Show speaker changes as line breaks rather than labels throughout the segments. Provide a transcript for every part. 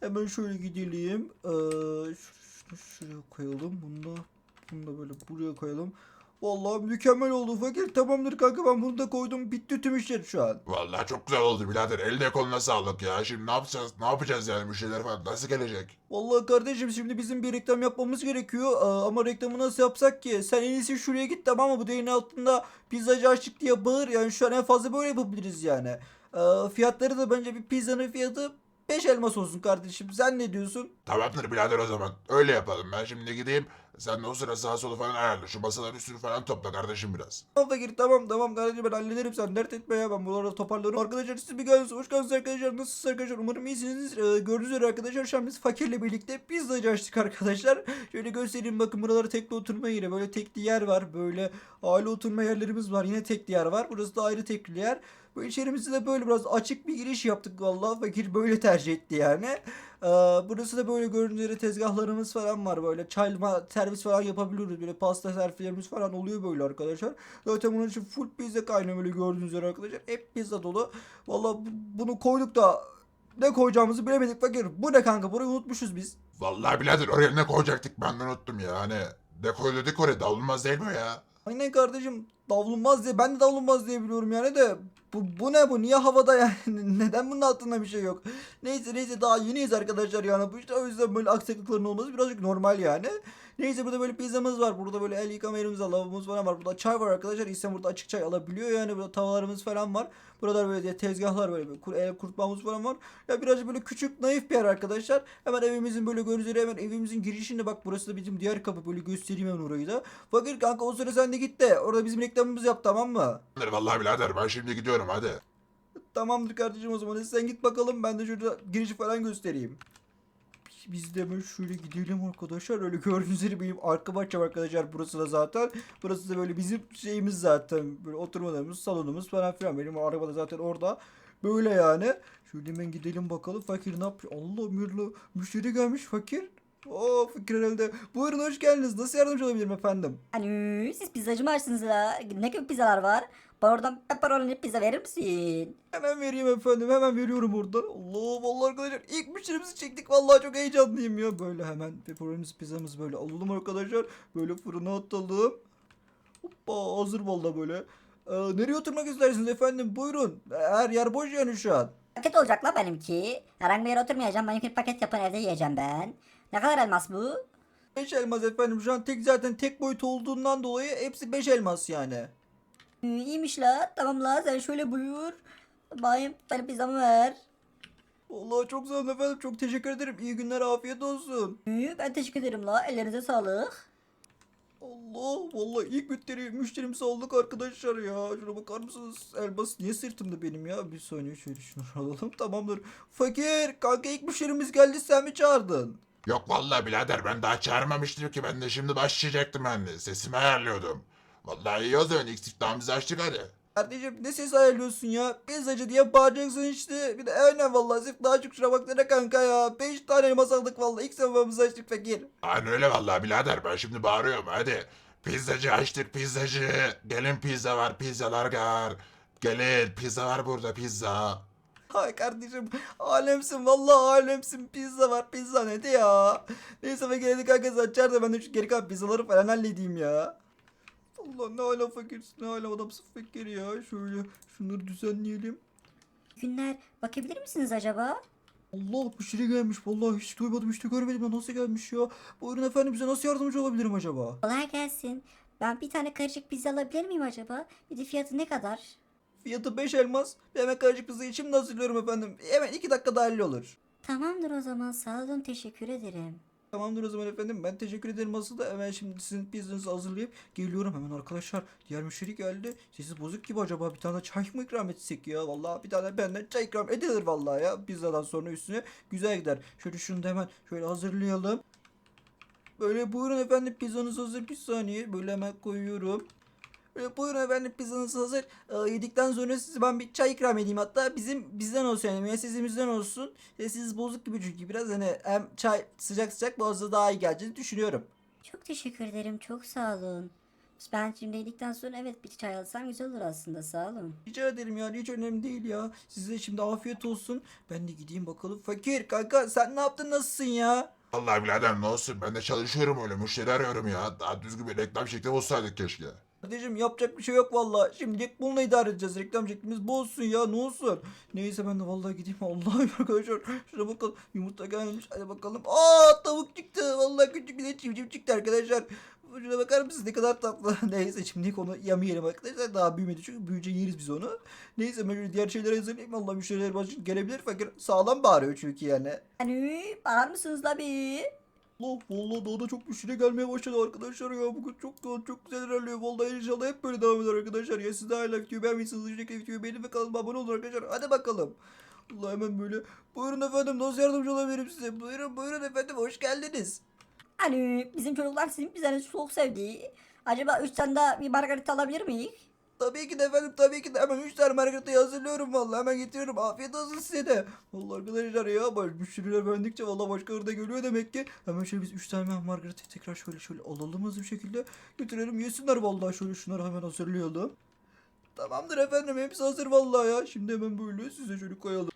Hemen şöyle gidelim. Şunu şuraya koyalım. Bunu da böyle buraya koyalım. Vallahi mükemmel oldu fakir. Tamamdır kanka, ben bunu da koydum. Bitti tüm işler şu an.
Vallahi çok güzel oldu birader. Eline koluna sağlık ya. Şimdi ne yapacağız? Ne yapacağız yani müşteriler falan nasıl gelecek?
Vallahi kardeşim, şimdi bizim bir reklam yapmamız gerekiyor. Ama reklamı nasıl yapsak ki? Sen en iyisi şuraya git, tamam mı? Bu değerin altında pizzacı açtık diye bağır. Yani şu an en fazla böyle yapabiliriz yani. Fiyatları da bence bir pizzanın fiyatı 5 elmas olsun kardeşim. Sen ne diyorsun?
Tamamdır birader o zaman. Öyle yapalım. Ben şimdi gideyim. Sen de o sıra sağa solu falan ayarla. Şu masaların üstünü falan topla kardeşim biraz.
Tamam fakir, tamam kardeşim, ben hallederim, sen dert etme ya, ben buraları toparlarım. Arkadaşlar siz bir geldiniz, hoş geldiniz arkadaşlar, nasılsınız arkadaşlar, umarım iyisiniz. Gördüğünüz üzere arkadaşlar, şu an biz fakirle birlikte pizzacı açtık arkadaşlar. Şöyle göstereyim, bakın buraları tekli oturma yeri, böyle tekli yer var, böyle aile oturma yerlerimiz var, yine tekli yer var, burası da ayrı tekli yer. Bu içerimizde de böyle biraz açık bir giriş yaptık, vallahi fakir böyle tercih etti yani. Burası da böyle gördüğünüz üzere tezgahlarımız falan var, böyle çay servis falan yapabiliyoruz, böyle pasta servislerimiz falan oluyor böyle arkadaşlar. Zaten bunun için full pizza kaynıyor, böyle gördüğünüz üzere arkadaşlar, hep pizza dolu. Vallahi bunu koyduk da ne koyacağımızı bilemedik fakir. Bu ne kanka, burayı unutmuşuz biz.
Vallahi birader oraya ne koyacaktık ben de unuttum ya. Hani dekoyduk oraya davulmaz değil mi ya?
Aynen kardeşim, davulunmaz diye, ben de davulunmaz diye biliyorum yani de bu ne, bu niye havada yani, neden bunun altında bir şey yok. Neyse daha yeniyiz arkadaşlar yani, bu işte o yüzden böyle aksaklıkların olması birazcık normal yani. Neyse, burada böyle pizzamız var, burada böyle el yıkama yerimiz var, lavabomuz falan var, burada çay var arkadaşlar, İnsan burada açık çay alabiliyor yani, burada tavalarımız falan var. Burada böyle tezgahlar, böyle el kurutmamız falan var. Ya birazcık böyle küçük naif bir yer arkadaşlar. Hemen evimizin böyle gördüğünüz üzere hemen evimizin girişinde, bak burası da bizim diğer kapı, böyle göstereyim hemen orayı da. Fakir kanka, o sıra sen de git de orada bizim reklamımızı yap, tamam mı?
Vallahi birader ben şimdi gidiyorum hadi.
Tamamdır kardeşim, o zaman sen git bakalım, ben de şurada girişi falan göstereyim. Biz de hemen şöyle gidelim arkadaşlar. Öyle gördüğünüz üzere benim arka bahçem arkadaşlar, burası da zaten. Burası da böyle bizim şeyimiz zaten. Böyle oturmalarımız, salonumuz falan filan. Benim araba da zaten orada. Böyle yani. Şöyle hemen gidelim bakalım. Fakir ne yapıyor? Allah mirlo. Müşteri gelmiş fakir. Oo fakir herhalde. Buyurun, hoş geldiniz. Nasıl yardımcı olabilirim efendim?
Alo, siz pizzacı mı açtınız la? Ne gibi pizzalar var? Bana oradan pepperoni pizza verir misin?
Hemen vereyim efendim. Hemen veriyorum oradan. Allah vallahi arkadaşlar, ilk müşterimizi çektik. Vallahi çok heyecanlıyım ya. Böyle hemen pepperoni pizzamızı böyle alalım arkadaşlar. Böyle fırına atalım. Hoppa, hazır vallahi böyle. Nereye oturmak istersiniz efendim? Buyurun. Her yer boş yani şu an.
Paket olacak la benimki. Herhangi bir yere oturmayacağım. Benimki paket yapın evde yiyeceğim ben. Ne kadar elmas bu?
5 elmas efendim. Şu an zaten tek boyut olduğundan dolayı hepsi 5 elmas yani.
İyiymiş la. Tamam la sen şöyle buyur. Bayım benim pizzamı ver.
Vallahi çok sağ olun efendim. Çok teşekkür ederim. İyi günler, afiyet olsun.
Ben teşekkür ederim la. Ellerinize sağlık.
Allah vallahi ilk müşterimizi aldık arkadaşlar ya. Şuna bakar mısınız? Elmas niye sırtımda benim ya? Bir saniye, şöyle şunu alalım, tamamdır. Fakir kanka, ilk müşterimiz geldi, sen mi çağırdın?
Yok vallahi birader ben daha çağırmamıştım ki ben de şimdi başlayacaktım ben de. Sesimi ayarlıyordum. Vallahi iyi o zaman ilk siftahımızı açtık hadi.
Kardeşim ne ses ayarlıyorsun ya? Pizzacı diye bağıracaksın işte. Bir de aynen vallahi sırf daha çok şuna baksana kanka ya. 5 tane elmas aldık vallahi. İlk sefamızı açtık fakir.
Aynen öyle vallahi birader ben şimdi bağırıyorum hadi. Pizzacı açtık pizzacı. Gelin pizza var pizzalar var. Gelin pizza var burada pizza.
Hay kardeşim, alemsin vallahi, alemsin. Pizza var, pizza ne ya? Neyse fakir, hadi kanka sen çağır da ben de şu geri kalan pizzaları falan halledeyim ya. Allah, ne hala fakirsin, ne hala adamsın fakir ya. Şöyle şunları düzenleyelim.
İyi günler. Bakabilir misiniz acaba?
Allah, müşteri gelmiş vallahi, hiç duymadım, hiç de görmedim ya, nasıl gelmiş ya. Buyurun efendim, bize nasıl yardımcı olabilirim acaba?
Kolay gelsin. Ben bir tane karışık pizza alabilir miyim acaba? Bir de fiyatı ne kadar?
Fiyatı 5 elmas. Bir hemen karışık pizza için de hazırlıyorum efendim. Hemen 2 dakikada hallolur.
Tamamdır o zaman. Sağ olun. Teşekkür ederim.
Tamamdır o zaman efendim. Ben teşekkür ederim asıl da, hemen şimdi sizin pizzanızı hazırlayıp geliyorum hemen arkadaşlar. Diğer müşteri geldi. Sesi bozuk gibi, acaba bir tane çay mı ikram etsek ya? Vallahi bir tane benden çay ikram edilir vallahi ya. Pizzadan sonra üstüne güzel gider. Şöyle şunu da hemen şöyle hazırlayalım. Böyle buyurun efendim, pizzanız hazır, bir saniye. Böyle hemen koyuyorum. Buyurun efendim, pizzanız hazır. Yedikten sonra size ben bir çay ikram edeyim. Hatta bizden olsun yani, müessesemizden olsun. Siz bozuk gibi çünkü biraz, hani hem çay sıcak sıcak boğazda daha iyi geleceğini düşünüyorum.
Çok teşekkür ederim. Çok sağ olun. Ben şimdi yedikten sonra evet bir çay alsam güzel olur aslında, sağ olun.
Rica ederim yani, hiç önemli değil ya. Size şimdi afiyet olsun. Ben de gideyim bakalım. Fakir kanka, sen ne yaptın, nasılsın ya?
Vallahi birader ne olsun ben de çalışıyorum öyle müşteri arıyorum ya. Daha düzgün bir reklam şekli bulsaydık keşke.
Kardeşim yapacak bir şey yok valla. Şimdilik bununla idare edeceğiz. Reklam şeklimiz bu olsun ya, ne olsun. Neyse ben de vallahi gideyim. Allah'ım arkadaşlar. Şuna bakalım. Yumurta gelmiş. Hadi bakalım. Aa, tavuk çıktı. Vallahi küçük bir de civciv çıktı arkadaşlar. Şuna bakar mısınız, ne kadar tatlı. Neyse şimdilik onu yemeyelim arkadaşlar. Daha büyümedi çünkü büyüyünce yeriz biz onu. Neyse ben şöyle diğer şeyleri hazırlayayım. Vallahi müşteriler başka gelebilir. Fakir sağlam bağırıyor çünkü yani.
Hani bağır mısınız la bir?
Allah, vallahi daha da çok müşteri gelmeye başladı arkadaşlar ya. Bugün çok güzel ilerliyor. Vallahi inşallah hep böyle devam eder arkadaşlar. Ya siz de hala videoyu beğenmişsiniz. Öncelikle videoyu beğenin ve kanalıma abone olun arkadaşlar. Hadi bakalım. Allah, hemen böyle. Buyurun efendim, nasıl yardımcı olabilirim size? Buyurun efendim, hoş geldiniz.
Hani bizim çocuklar sizin pizzanızı çok sevdi. Acaba 3 tane daha bir margarita alabilir miyiz?
Tabii ki de efendim, tabii ki de. Hemen 3 tane margaritayı hazırlıyorum vallahi. Hemen getiriyorum. Afiyet olsun size de. Vallahi arkadaşlar ya, müşteriler beğendikçe vallahi başkaları da geliyor demek ki. Hemen şöyle biz 3 tane margaritayı tekrar şöyle alalım hızlı bir şekilde. Götürelim yesinler vallahi, şöyle şunları hemen hazırlayalım. Tamamdır efendim, hepsi hazır vallahi ya. Şimdi hemen böyle size şöyle koyalım.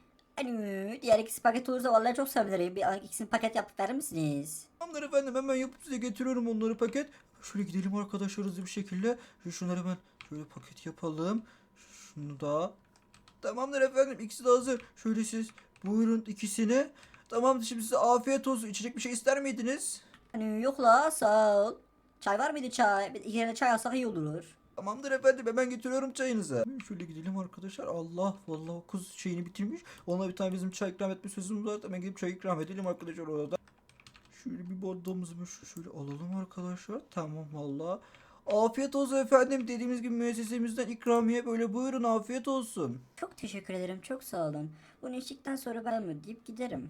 Hani diğer ikisi paket olursa vallahi çok sevinirim. Bir ikisini paket yapıp verir misiniz?
Tamamdır efendim, hemen yapıp size getiriyorum onları paket. Şöyle gidelim arkadaşlar hızlı bir şekilde. Şunları hemen şöyle paket yapalım. Şunu da. Tamamdır efendim, ikisi de hazır. Şöyle siz buyurun ikisini. Tamamdır, şimdi size afiyet olsun. İçecek bir şey ister miydiniz?
Hani yok la, sağ ol. Çay var mıydı çay? Bir iki tane çay alsak iyi olur.
Tamamdır efendim, hemen getiriyorum çayınızı. Şöyle gidelim arkadaşlar. Allah, vallahi o kız şeyini bitirmiş. Ona bir tane bizim çay ikram etme sözümüz var. Hemen gidip çay ikram edelim arkadaşlar orada. Şöyle bir bardağımızı şöyle alalım arkadaşlar. Tamam valla. Afiyet olsun efendim. Dediğimiz gibi müessesemizden ikramiye böyle, buyurun afiyet olsun.
Çok teşekkür ederim, çok sağ olun. Bunu içtikten sonra ben mi deyip giderim.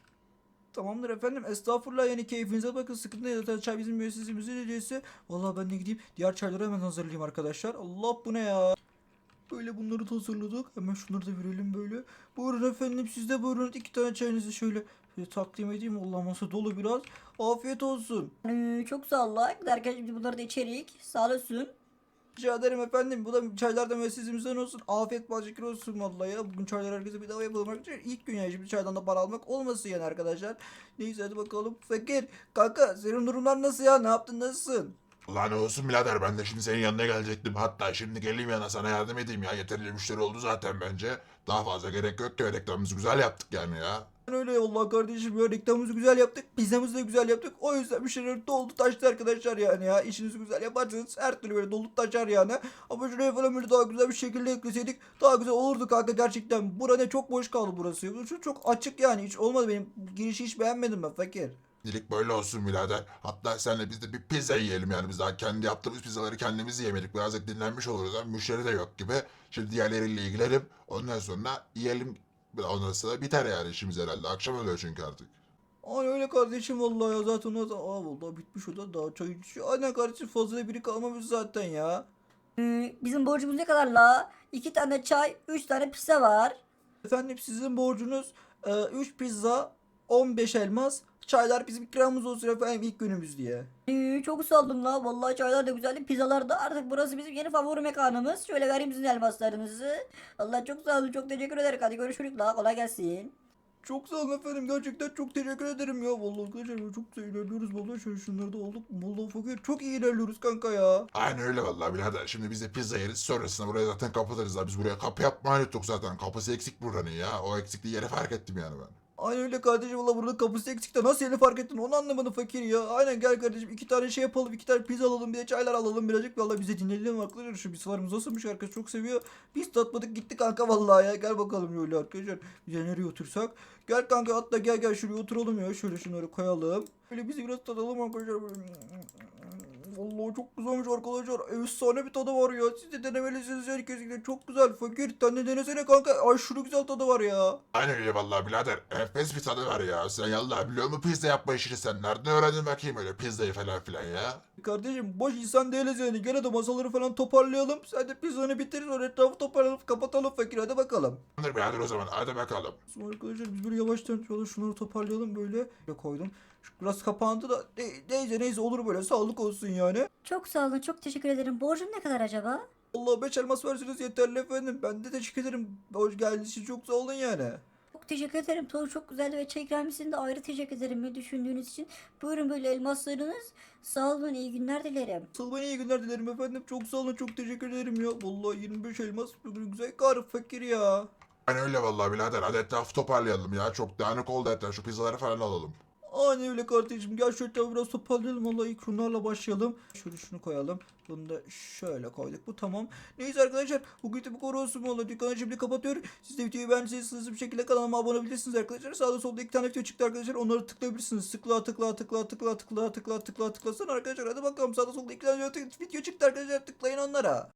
Tamamdır efendim. Estağfurullah, yani keyfinize bakın. Sıkıntı değil. Zaten çay bizim müessesemizin hediyesi. Valla ben de gideyim diğer çayları hemen hazırlayayım arkadaşlar. Allah, bu ne ya? Böyle bunları da hazırladık. Hemen şunları da verelim böyle. Buyurun efendim, siz de buyurun. 2 tane çayınızı şöyle takdim edeyim. Allah, masa dolu biraz. Afiyet olsun.
Hani çok sağ ol la. Giderken şimdi bunları da içerik. Sağ olasın.
Rica ederim efendim. Bu da çaylar da müessesemizden olsun. Afiyet bal şeker olsun vallahi ya. Bugün çaylar herkese bedava yapalım arkadaşlar. İlk gün yani, şimdi çaydan da para almak olmasın yani arkadaşlar. Neyse hadi bakalım. Fakir kanka, senin durumlar nasıl ya? Ne yaptın, nasılsın?
Ulan ne olsun birader ben de şimdi senin yanına gelecektim. Hatta şimdi geleyim yana sana yardım edeyim ya. Yeterince müşteri oldu zaten bence. Daha fazla gerek yok ki, reklamımızı güzel yaptık yani ya.
Ben öyle vallahi kardeşim ya, reklamımızı güzel yaptık. Pizzamızı da güzel yaptık. O yüzden müşteriler doldu taştı arkadaşlar yani ya. İşinizi güzel yaparsanız her türlü böyle dolup taşar yani. Ama şuraya falan böyle daha güzel bir şekilde ekleseydik daha güzel olurdu kanka gerçekten. Burada çok boş kaldı burası. Şu çok açık yani, hiç olmadı, benim girişi hiç beğenmedim ben fakir.
Dilik böyle olsun birader. Hatta senle biz de bir pizza yiyelim yani. Biz daha kendi yaptığımız pizzaları kendimiz yemedik. Birazcık dinlenmiş oluruz. Hem müşteri de yok gibi. Şimdi diğerleriyle ilgilenelim. Ondan sonra yiyelim. Ondan sonra biter yani işimiz herhalde. Akşam oluyor çünkü artık.
Aynen öyle kardeşim vallahi ya, zaten o da vallahi bitmiş, o da daha çay içiyor. Aynen kardeşim, fazla da biri kalmamış zaten ya.
Bizim borcumuz ne kadar la? 2 tane çay, 3 tane pizza var.
Efendim sizin borcunuz 3 pizza, 15 elmas. Çaylar bizim ikramımız olsun efendim, ilk günümüz diye.
Çok sağ olun la. Vallahi çaylar da güzeldi. Pizzalar da, artık burası bizim yeni favori mekanımız. Şöyle vereyim sizin elmaslarınızı. Allah çok sağ olun. Çok teşekkür ederim. Hadi görüşürüz la. Kolay gelsin.
Çok sağ olun efendim, gerçekten çok teşekkür ederim ya. Vallahi arkadaşlar çok güzel ilerliyoruz vallahi, şunları da olduk. Vallahi fakir çok iyi ilerliyoruz kanka ya.
Aynen öyle vallahi birader. Şimdi biz de pizza yeriz. Sonrasında burayı zaten kapatırız. Biz buraya kapı yapmayı unuttuk zaten. Kapısı eksik buranın ya. O eksikliği yeri fark ettim yani ben.
Aynen öyle kardeşim, valla burada kapısı eksikte nasıl yeni fark ettin onu anlamadım fakir ya. Aynen, gel kardeşim 2 tane şey yapalım, 2 tane pizza alalım, bir de çaylar alalım birazcık. Valla bize dinleyelim arkadaşlar, şu pizzalarımız nasılmış, herkes çok seviyor. Biz tatmadık gitti kanka vallahi ya. Gel bakalım şöyle arkadaşlar, bize nereye otursak. Gel kanka, hatta gel şuraya oturalım ya, şöyle şunları koyalım. Böyle bizi biraz tadalım arkadaşlar. Vallahi çok güzelmiş arkadaşlar. Efsane bir tadı var ya. Siz de denemelisiniz yani, kesinlikle çok güzel. Fakir sen de denesene kanka. Aşırı güzel tadı var ya.
Aynen öyle vallahi birader. Enfes bir tadı var ya. Sen yallah biliyor musun pizza yapma işini sen? Nereden öğrendin bakayım öyle pizzayı falan filan ya?
Kardeşim boş insan değiliz yani. Gene de masaları falan toparlayalım. Sen de pizzanı bitir, sonra etrafı toparlayalım, kapatalım fakir, hadi bakalım.
Tamamdır birader o zaman. Hadi bakalım.
Sonra arkadaşlar biz böyle yavaştan şunları toparlayalım böyle. Böyle koydum. Biraz kapandı da neyse olur böyle, sağlık olsun ya. yani.
Çok sağ olun, çok teşekkür ederim. Borcum ne kadar acaba?
Allah 5 elmas verseniz yeterli efendim. Ben de teşekkür ederim. Hoş geldiniz için çok sağ olun yani.
Çok teşekkür ederim. Tuğ çok güzeldi ve çay ikramiyesini de ayrı teşekkür ederim beni düşündüğünüz için. Buyurun böyle elmaslarınız. Sağ olun, iyi günler dilerim.
Asıl ben iyi günler dilerim efendim. Çok sağ olun, çok teşekkür ederim ya. Vallahi 25 elmas bugün güzel kar fakir ya.
Yani öyle vallahi birader. Hadi etrafı toparlayalım ya. Çok dağınık oldu etraf. Şu pizzaları falan alalım.
Aynen öyle kardeşim. Gel şöyle tabii biraz toparlayalım. Vallahi ilk şunlarla başlayalım. Şöyle şunu koyalım. Bunu da şöyle koyduk. Bu tamam. Neyse arkadaşlar. Bugün de bu kadar olsun. Vallahi dükkanı şimdi kapatıyorum. Siz de videoyu beğendiyseniz hızlı bir şekilde kanalıma abone olabilirsiniz arkadaşlar. Sağda solda 2 tane video çıktı arkadaşlar. Onları tıklayabilirsiniz. Tıkla. Sonra arkadaşlar hadi bakalım. Sağda solda 2 tane video çıktı arkadaşlar. Tıklayın onlara.